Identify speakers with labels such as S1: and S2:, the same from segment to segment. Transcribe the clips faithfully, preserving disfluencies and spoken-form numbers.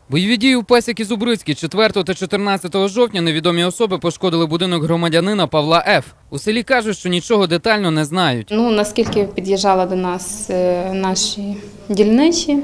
S1: Бойові дії у Пасіки Зубрицькій четвертого та чотирнадцятого жовтня невідомі особи пошкодили будинок громадянина Павла Ф. У селі кажуть, що нічого детально не знають.
S2: Ну, наскільки під'їжджали до нас наші дільничі,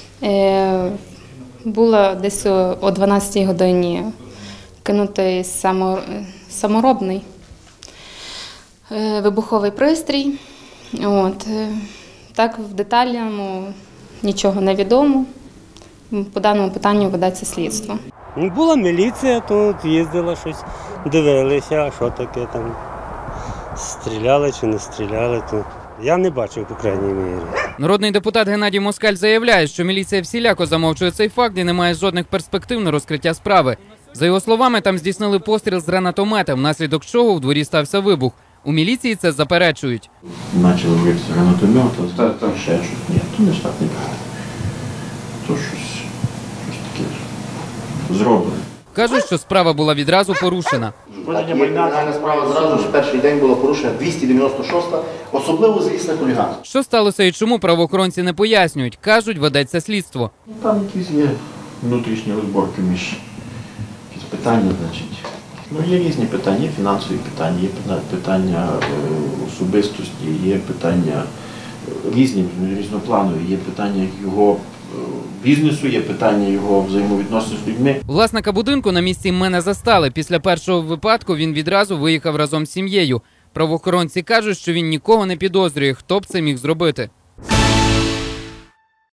S2: було десь о дванадцятій годині кинутий саморобний вибуховий пристрій. От. Так, в детальному нічого не відомо. По даному питанню ведеться слідство.
S3: Була міліція, тут їздила щось, дивилися, а що таке там, стріляли чи не стріляли. То я не бачив, по крайній мірі.
S1: Народний депутат Геннадій Москаль заявляє, що міліція всіляко замовчує цей факт і не має жодних перспектив на розкриття справи. За його словами, там здійснили постріл з гранатомета, внаслідок чого в дворі стався вибух. У міліції це заперечують.
S4: Почали вибити гранатомет, а там ще щось. Ні, то не ж так не правда. То щось, щось таке зроблено.
S1: Кажуть, що справа була відразу порушена.
S5: Кримінальна справа зразу ж перший день була порушена двісті дев'яносто шоста, особливо злісне хуліганство.
S1: Що сталося і чому, правоохоронці не пояснюють. Кажуть, ведеться слідство.
S4: Там якісь є внутрішні розборки між якісь питання, значить. Ну, є різні питання, є фінансові питання, є питання особистості, є питання різні, різнопланові, є питання його бізнесу, є питання його взаємовідносин з людьми.
S1: Власника будинку на місці мене застали. Після першого випадку він відразу виїхав разом з сім'єю. Правоохоронці кажуть, що він нікого не підозрює, хто б це міг зробити.